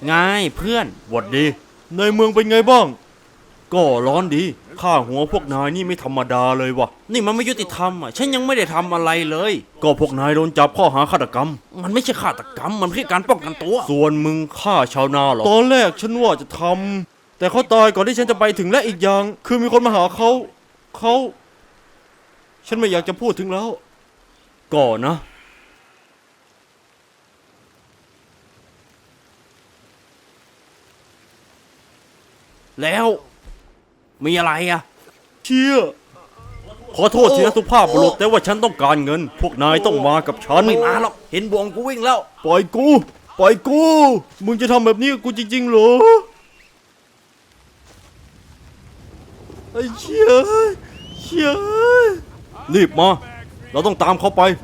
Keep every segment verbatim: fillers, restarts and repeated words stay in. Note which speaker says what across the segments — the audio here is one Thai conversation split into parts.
Speaker 1: ไงเพื่อน
Speaker 2: หวัดดีในเมืองเป็นไงบ้างก็ร้อนดีข้าหัวพวกนายนี่ไม่ธรรมดาเลยวะ
Speaker 1: นี่มันไม่ยุติธรรมอ่ะฉันยังไม่ได้ทำอะไรเลย
Speaker 2: ก็พวกนายโดนจับข้อหาฆาตกรรม
Speaker 1: มันไม่ใช่ฆาตกรรมมันแค่การป้องกันตัว
Speaker 2: ส่วนมึงฆ่าชาวนาเหรอตอนแรกฉันว่าจะทำแต่เขาตายก่อนที่ฉันจะไปถึงและอีกอย่างคือมีคนมาหาเขาเขาฉันไม่อยากจะพูดถึงแล้วก่อนนะ
Speaker 1: แล้วมีอะไรอ่ะ
Speaker 2: เชี่ยขอโทษทีนะสุภาพบุรุษแต่ว่าฉันต้องการเงินพวกนายต้องมากับฉัน
Speaker 1: ไม่มาหรอกเห็นบวงกูวิ่งแล้ว
Speaker 2: ปล่อยกูปล่อยกูมึงจะทำแบบนี้กับกูจริงๆเหรอไอ้เชี่ยเชี่ยรีบมาเราต้องตามเขาไป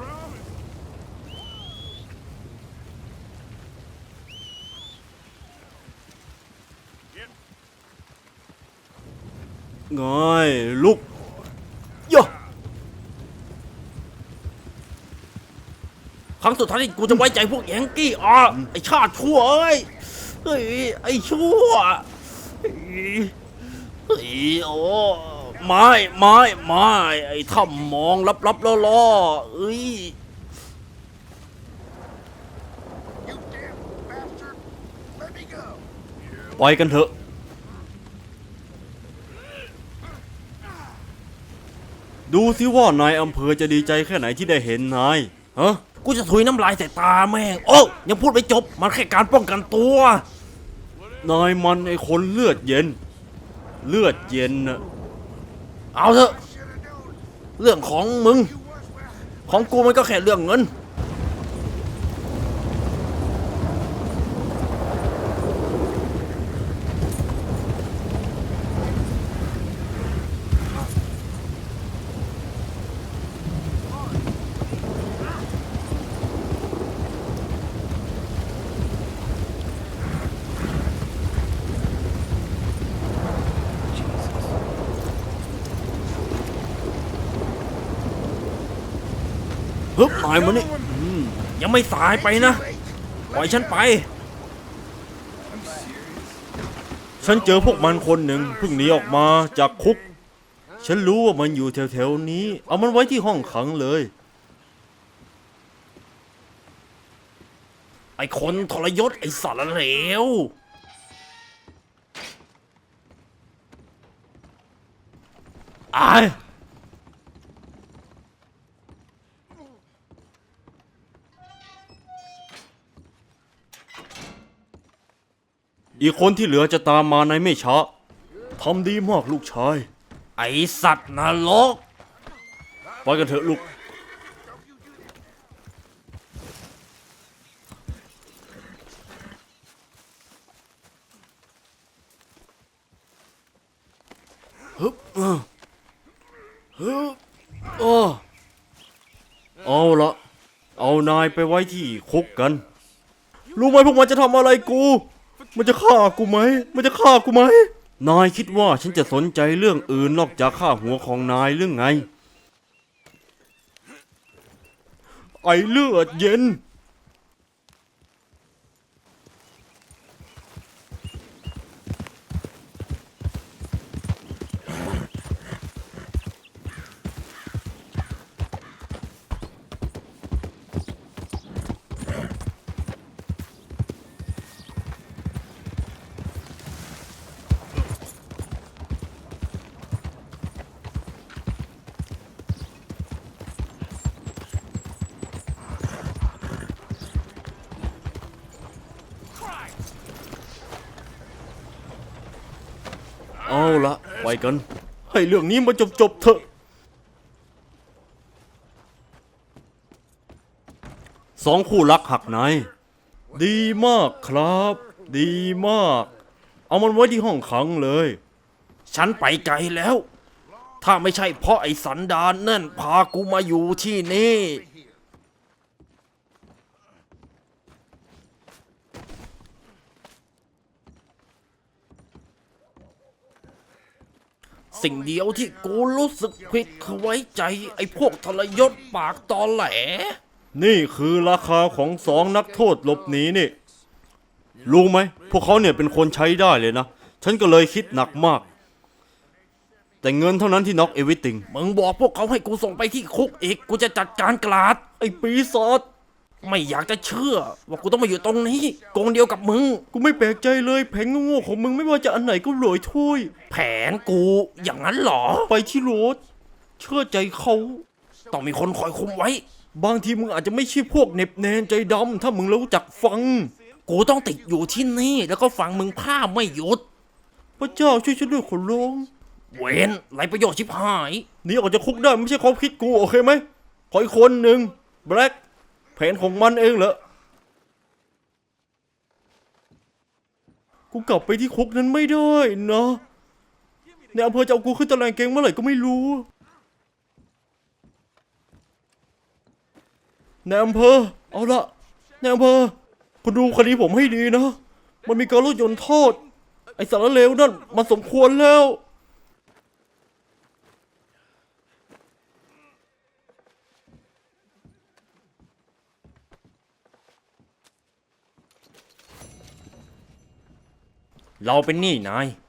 Speaker 2: ไงลุกย่อ
Speaker 1: ครั้งสุดท้ายที่กูจะไว้ใจพวกแยงกี้อ่ะไอชาติชั่วเอ้ยเฮ้ยไอชั่วเฮ้ยโอ้ไม่ไม่ไม่ไอถ้ำมองลับๆล่อๆเอ้ย
Speaker 2: ไปกันเถอะดูสิว่านายอำเภอจะดีใจแค่ไหนที่ได้เห็นนายฮะ
Speaker 1: กูจะถุยน้ำลายใส่ตาแม่งโอ้ยังพูดไม่จบมันแค่การป้องกันตัวน
Speaker 2: ายมันไอคนเลือดเย็นเลือดเย็นนะ
Speaker 1: เอาเถอะเรื่องของมึงของกูมันก็แค่เรื่องเงิน
Speaker 2: ฮึบนายมันนี่
Speaker 1: ยังไม่สายไปนะปล่อยฉันไป
Speaker 2: ฉันเจอพวกมันคนหนึ่งเพิ่งหนีออกมาจากคุกฉันรู้ว่ามันอยู่แถวๆนี้เอามันไว้ที่ห้องขังเลย
Speaker 1: ไอ้คนทรยศไอ้สารเลว
Speaker 2: อายอีกคนที่เหลือจะตามมาในไม่ช้าทำดีมากลูกชาย
Speaker 1: ไอ้สัตว์นรก
Speaker 2: ไปกันเถอะลูกฮึบฮึบโอ้เอาละเอานายไปไว้ที่คุกกันรู้ไหมพวกมันจะทำอะไรกูมันจะฆ่ากูไหมมันจะฆ่ากูไหมนายคิดว่าฉันจะสนใจเรื่องอื่นนอกจากฆ่าหัวของนายเรื่องไงไอเลือดเย็นเอาละไปกันให้เรื่องนี้มันจบจบเถอะสองคู่รักหักในดีมากครับ ดีมากเอามันไว้ที่ห้องขังเลย
Speaker 1: ฉันไปไกลแล้วถ้าไม่ใช่เพราะไอ้สันดานนั่นพากูมาอยู่ที่นี่สิ่งเดียวที่กูรู้สึกผิดคือไว้ใจไอ้พวกทรยศปากตอแหล
Speaker 2: นี่คือราคาของสองนักโทษหลบหนีนี่รู้ไหมพวกเขาเนี่ยเป็นคนใช้ได้เลยนะ ฉันก็เลยคิดหนักมาก แต่เงินเท่านั้นที่น็อกเอวิติง
Speaker 1: มึงบอกพวกเขาให้กูส่งไปที่คุกอีก กูจะจัดการกลาด
Speaker 2: ไอ้ปีศาจ
Speaker 1: ไม่อยากจะเชื่อ ว่ากูต้องมาอยู่ตรงนี้กองเดียวกับมึง
Speaker 2: กูไม่แปลกใจเลยแผงโง่ๆของมึงไม่ว่าจะอันไหนก็รวยถ้วย
Speaker 1: แผนกูอย่างนั้นเหรอ
Speaker 2: ไปที่รถเชื่อใจเขา
Speaker 1: ต้องมีคนคอยคุมไว้
Speaker 2: บางทีมึงอาจจะไม่ใช่พวกเหน็บแนนใจดำถ้ามึงรู้จักฟัง
Speaker 1: กูต้องติดอยู่ที่นี่แล้วก็ฟังมึงพร่ำไม่หยุด
Speaker 2: พระเจ้าช่วยฉันด้วยขอร้อง
Speaker 1: เวนไรประโยชน์ชิบหาย
Speaker 2: หนีออกจากคุกได้ไม่ใช่ความคิดกูโอเคไหมขออีกคนหนึ่งแบล็กแผนของมันเองเหรอกูกลับไปที่คุกนั้นไม่ได้นะในอำเภอจะเอากูขึ้นตารางเกงเมื่อไหร่ก็ไม่รู้ในอำเภอเอาละในอำเภอคุณดูคดีผมให้ดีนะมันมีการลดหย่อนโทษไอ้สารเลวนั่นมันสมควรแล้ว
Speaker 1: เราเป็นหนี้นาย